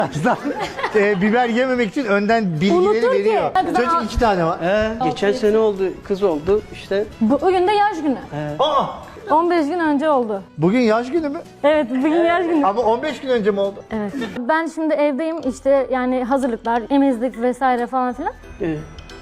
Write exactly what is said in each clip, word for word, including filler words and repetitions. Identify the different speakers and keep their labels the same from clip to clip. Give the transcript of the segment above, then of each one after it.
Speaker 1: Aslan e, biber yememek için önden bilgileri
Speaker 2: Unutur ki.
Speaker 1: veriyor.
Speaker 2: Hadi ben
Speaker 1: Çocuk
Speaker 2: al-
Speaker 1: iki tane var.
Speaker 3: He, geçen sene oldu, kız oldu işte.
Speaker 2: Bugün de yaş günü.
Speaker 1: Aa,
Speaker 2: on beş gün önce oldu.
Speaker 1: bugün yaş günü mü?
Speaker 2: Evet, bugün yaş günü.
Speaker 1: Ama on beş gün önce mi oldu?
Speaker 2: Evet. Ben şimdi evdeyim işte yani hazırlıklar, emizlik vesaire falan filan.
Speaker 3: Ee,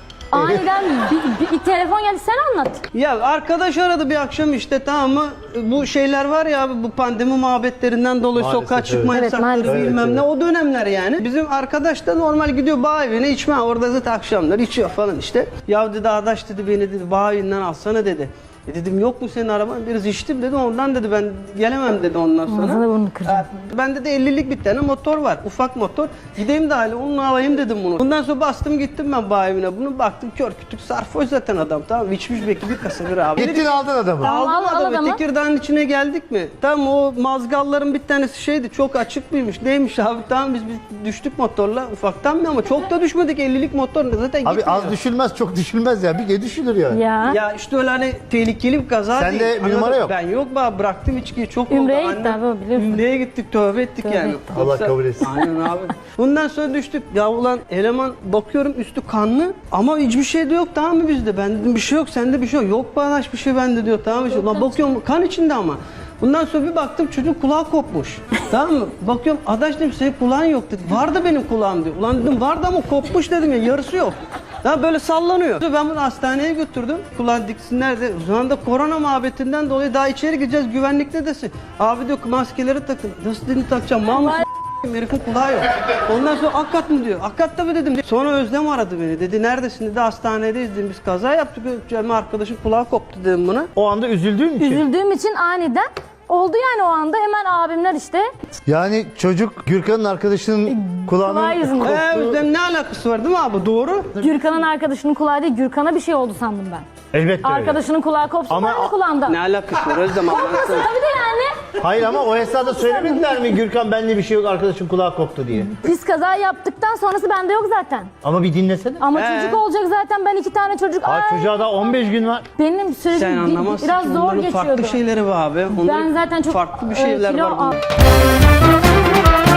Speaker 2: Aniden bir, bir, bir telefon geldi, sen anlat.
Speaker 3: Ya arkadaş aradı bir akşam işte, tamam mı? Bu şeyler var ya abi, bu pandemi muhabbetlerinden dolayı
Speaker 1: Maalesef,
Speaker 3: sokağa çıkma
Speaker 2: evet.
Speaker 3: yasakları
Speaker 2: Evet, maalesef.
Speaker 3: bilmem
Speaker 1: Evet,
Speaker 3: ne,
Speaker 1: evet.
Speaker 3: o dönemler yani. Bizim arkadaş da normal gidiyor bağ evine, içme orada zaten akşamlar içiyor falan işte. Ya dedi adaş dedi, beni dedi bağ evinden alsana dedi. E dedim yok mu senin araban? Biraz içtim dedi, ondan dedi ben gelemem dedi ondan sonra.
Speaker 2: Ağzını burnunu kıracağım.
Speaker 3: Bende de ellilik bir tane motor var. Ufak motor. Gideyim de hali onunla alayım dedim bunu. Bundan sonra bastım gittim ben bağ evine. Bunu baktım kör kütük sarhoş zaten adam, tamam mı? İçmiş belki bir kasa bir abi.
Speaker 1: Gittin aldın adamı.
Speaker 3: Aldım
Speaker 2: Al, al
Speaker 3: adamı.
Speaker 2: adamı.
Speaker 3: Tekirdağ'ın içine geldik mi? Tamam, o mazgalların bir tanesi şeydi, çok açık mıymış? Neymiş abi? Tamam biz, biz düştük motorla ufaktan mı, ama çok da düşmedik, ellilik motor zaten
Speaker 1: Abi
Speaker 3: gitmiyor.
Speaker 1: az düşülmez, çok düşülmez ya. Bir kere düşülür yani.
Speaker 2: Ya.
Speaker 3: Ya işte öyle hani tehlikeli bir kaza
Speaker 1: Sende
Speaker 3: değil.
Speaker 1: bir
Speaker 3: Anladın?
Speaker 1: numara yok.
Speaker 3: Ben yok be, bıraktım içkiyi, çok
Speaker 2: Ümreye
Speaker 3: oldu.
Speaker 2: gitti
Speaker 3: Annem-
Speaker 2: abi o, biliyorsun.
Speaker 3: Ümreye gittik, tövbe ettik
Speaker 2: Tövbe
Speaker 3: yani.
Speaker 2: ettik.
Speaker 1: Allah
Speaker 3: Yoksa-
Speaker 1: kabul etsin.
Speaker 3: Aynen abi. Bundan sonra düştük. Ya ulan eleman bakıyorum üstü kanlı ama hiçbir şey de yok, tamam mı bizde? Ben dedim bir şey yok, sende bir şey yok. Yok bağlaş bir şey bende diyor, tamam mı? Ulan bakıyorum kan içinde ama. Bundan sonra bir baktım çocuğun kulağı kopmuş. Tamam mı? Bakıyorum adaş dedim senin kulağın yok dedi. Vardı benim kulağım diyor. Ulan dedim vardı ama kopmuş dedim ya, yarısı yok. Ya böyle sallanıyor. Ben bunu hastaneye götürdüm. Kulağın diksinler de. O zaman da korona muhabbetinden dolayı daha içeri gireceğiz. Güvenlikte desin. Abi diyor maskeleri takın. Nasıl dedim takacağım? Mahmut herifin kulağı yok. Ondan sonra Akkat mı diyor. Akkat tabii dedim. Sonra Özlem aradı beni. Dedi neredesin dedi. Hastanedeyiz dedim. Biz kaza yaptık. Cem arkadaşın kulağı koptu dedim buna.
Speaker 1: O anda üzüldüğün için.
Speaker 2: Üzüldüğüm için aniden oldu yani o anda. Hemen abimler işte.
Speaker 1: Yani çocuk Gürkan'ın arkadaşının
Speaker 2: Kulağı
Speaker 1: kulağının
Speaker 2: yüzünden.
Speaker 3: Ee, Özlem ne alakası var değil mi abi? Doğru.
Speaker 2: Gürkan'ın arkadaşının kulağı değil, Gürkan'a bir şey oldu sandım ben.
Speaker 1: elbette öyle.
Speaker 2: Arkadaşının kulağı kopsun
Speaker 1: Ama-
Speaker 2: ben de kulağımda.
Speaker 3: Ne alakası var Özlem?
Speaker 2: Kopmasın
Speaker 3: anlatsana.
Speaker 2: tabii de yani.
Speaker 1: Hayır ama o esnada söylemediler mi Gürkan benimle bir şey yok, arkadaşın kulağı koptu diye.
Speaker 2: Biz kaza yaptıktan sonrası bende yok zaten.
Speaker 1: Ama bir dinlesene.
Speaker 2: Ama
Speaker 3: Ee?
Speaker 2: çocuk olacak zaten, ben iki tane çocuk.
Speaker 1: Ay,
Speaker 2: Ay,
Speaker 1: çocuğa da on beş gün var.
Speaker 2: benim sürecim
Speaker 3: Sen
Speaker 2: bir-
Speaker 3: anlamazsın
Speaker 2: biraz
Speaker 3: ki,
Speaker 2: zor
Speaker 3: onların
Speaker 2: geçiyordu.
Speaker 3: farklı şeyleri var abi. Onların
Speaker 2: Ben zaten çok
Speaker 3: farklı bir
Speaker 2: e,
Speaker 3: şeyler
Speaker 2: kilo
Speaker 3: var.
Speaker 2: al-